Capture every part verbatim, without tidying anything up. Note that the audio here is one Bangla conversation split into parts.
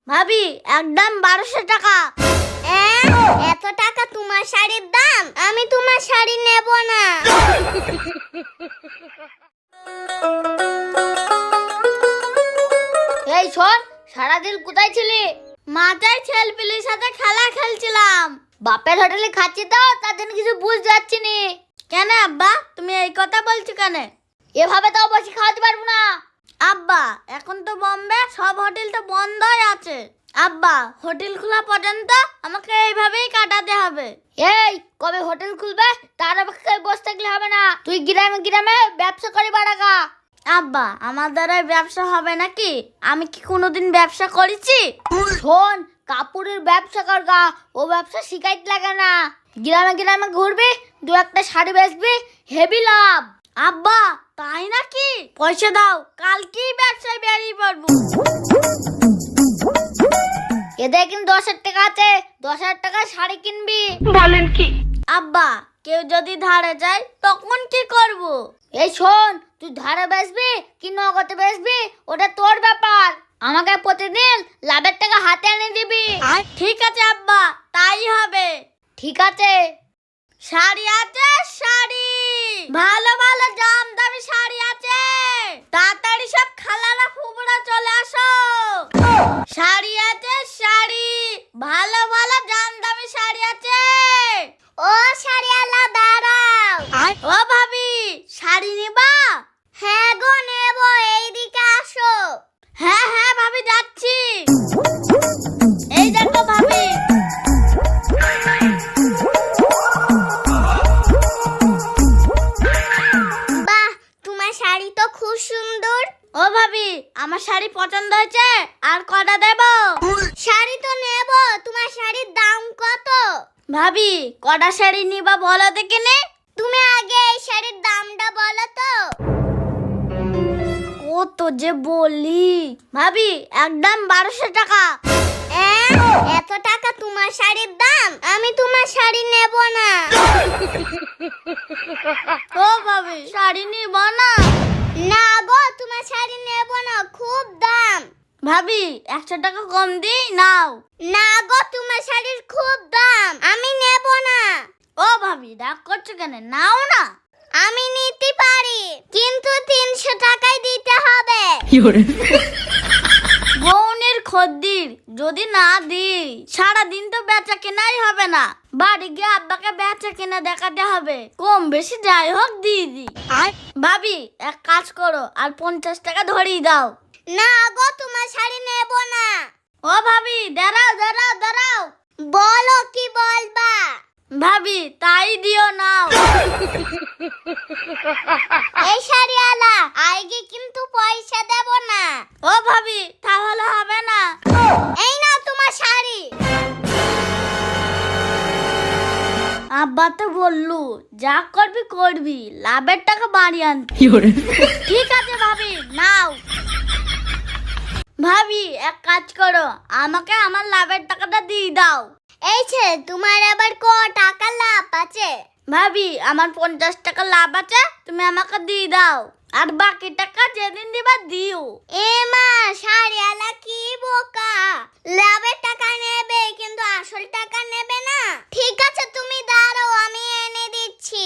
ভাবি একদম বারোশো টাকা। এত টাকা তোমার শাড়ির দাম? আমি তোমার শাড়ি নেব না। এই শোন, সারাদিন কোথায় ছিলি? মাথায় ছেলেপিলির সাথে খেলা খেলছিলাম। বাপের হোটেলে খাচ্ছি তো, তার জন্য কিছু বুঝতে পারছি নি। কেন আব্বা, তুমি এই কথা বলছো কেন? এভাবে তো বসে খাওয়াতে পারবো না। আব্বা, এখন তো বোম্বে সব হোটেল তো বন্ধই আছে। আব্বা, হোটেল খোলা পর্যন্ত আমাকে এইভাবেই কাটাতে হবে। এই কবে হোটেল খুলবে তার অপেক্ষায় বসে থাকলে হবে না। তুই গ্রামে গ্রামে ব্যবসা করে বাড়াগা। আব্বা, আমার দ্বারাই ব্যবসা হবে নাকি? আমি কি কোনোদিন ব্যবসা করেছি? শোন, কাপড়ের ব্যবসা করগা, ও ব্যবসা শিখাইতে লাগে না। গ্রামে গ্রামে ঘুরবি, দু একটা শাড়ি বেচবি, হেভি লাভ। আব্বা, তাই নাকি? পয়সা দাও, কালকেই ব্যবসায় বেরিয়ে পড়বো। এদের কিন্তু দশ হাজার টাকা আছে, দশ হাজার টাকা শাড়ি কিনবি। বলেন কি? আব্বা, কেউ যদি ধারে যায় তখন কি করব? এই শোন, তুই ধারে বেচবি কি নগদে বেচবি ওটা তোর ব্যাপার। আমাকে প্রতিদিন লাভের টাকা হাতে এনে দিবি। ঠিক আছে আব্বা, তাই হবে। ঠিক আছে। শাড়ি আছে, শাড়ি ভালো ভালো দাম দামি শাড়ি আছে। তাড়াতাড়ি সব খালারা ফুবরা চলে আসো। শাড়ি আছে, শাড়ি ভালো ভালো দাম দামি শাড়ি আছে। ও শাড়িওয়ালা দাঁড়াও। ও ভাবি, শাড়ি নিবা? হ্যাঁ গো নেব, এইদিকে আসো। হ্যাঁ হ্যাঁ ভাবি, যাচ্ছি। এই দেখো ভাবি। বাহ, তোমার শাড়ি তো খুব সুন্দর। ও ভাবি, আমার শাড়ি পছন্দ হয়েছে, আর কটা দেব? শাড়ি তো নেব, তোমার শাড়ির দাম কত? ভাবি, কটা শাড়ি নিবা বলো দেখিনি? তুমি আগে এই শাড়ির দামটা বলো তো। কত যে বলি। ভাবি একদম বারোশো টাকা। এত টাকা তোমার শাড়ির দাম? আমি তোমার শাড়ি নেব না। ও ভাবি, শাড়ি নিবা না? না গো, তোমার শাড়ি নেব না, খুব দাম। ভাবি একশো টাকা কম দিই, নাও। না গো, তোমার শাড়ির খুব দাম, আমি নেব না। ও ভাবি, রাগ করছো কেন? নাও না। আমি নিতে পারি, কিন্তু তিনশো টাকাই দিতে হবে। বউনের খদ্দির যদি না দিই, সারাদিন তো বেচা কেনাই হবে না। বাড়ি গিয়ে আব্বাকে বেচা কেনা দেখাতে হবে। কম বেশি যাই হোক দিয়ে দি। ভাবি এক কাজ করো, আর পঞ্চাশ টাকা ধরিয়ে দাও। না গো, তোমার শাড়ি নেব না। ও ভাবি, দাঁড়াও দাঁড়াও দাঁড়াও। বলো কি বলবা? ভাবি তাই দিও, নাও। এই শাড়িওয়ালা, আগে কিন্তু পয়সা দেব না। ও ভাবি, তাহলে হবে না। এই নাও তোমার শাড়ি। আব্বা তো বললু, যা করবি করবি, লাভের টাকা বাড়ি আনতে। ঠিক আছে ভাবি, নাও। ভাবি এক কাজ করো, আমাকে আমার লাভের টাকাটা দিয়ে দাও। এই ছে, তোমার আবার ক টাকা লাভ আছে? ভাবি আমার পঞ্চাশ টাকা লাভ আছে, তুমি আমাকে দিয়ে দাও। আর বাকি টাকা যেদিন দিবা দিও। এ মা, শাড়িওয়ালা কি বোকা! লাভের টাকা নেবে কিন্তু আসল টাকা নেবে না। ঠিক আছে, তুমি দাঁড়াও, আমি এনে দিচ্ছি।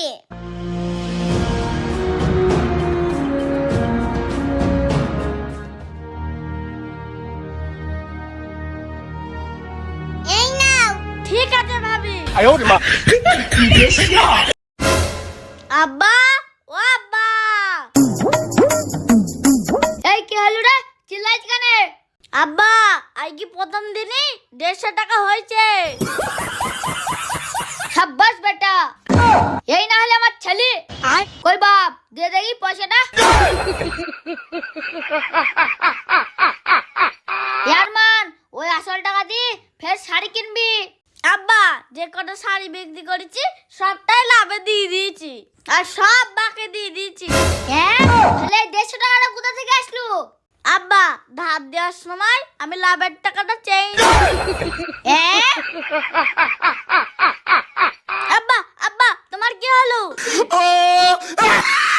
এই নাও। ঠিক আছে ভাবি। 哎呦我的妈！你别笑。 আব্বা, ও আব্বা। এই কি হলো রে, চিল্লাইছ কেন? আব্বা, আই কি প্রথম দিনই দেড়শো টাকা হয়েছে। সাব্বাস বেটা, এই না হলে আমার ছেলে। কই বাপ, দে দেখি পয়সাটা। ইয়ারমান, ওই আসল টাকা দি ফের শাড়ি কিনবি। আব্বা, যে কটা শাড়ি বিক্রি করেছি সবটাই লাভে দিয়ে দিয়েছি, আর সব বাকি দিয়ে দিয়েছি। হ্যাঁ, তাহলে দেড়শো টাকাটা কোথা থেকে আসলো? আব্বা, ধার দেওয়ার সময় আমি লাভের টাকাটা চাই। আব্বা আব্বা, তোমার কি হলো?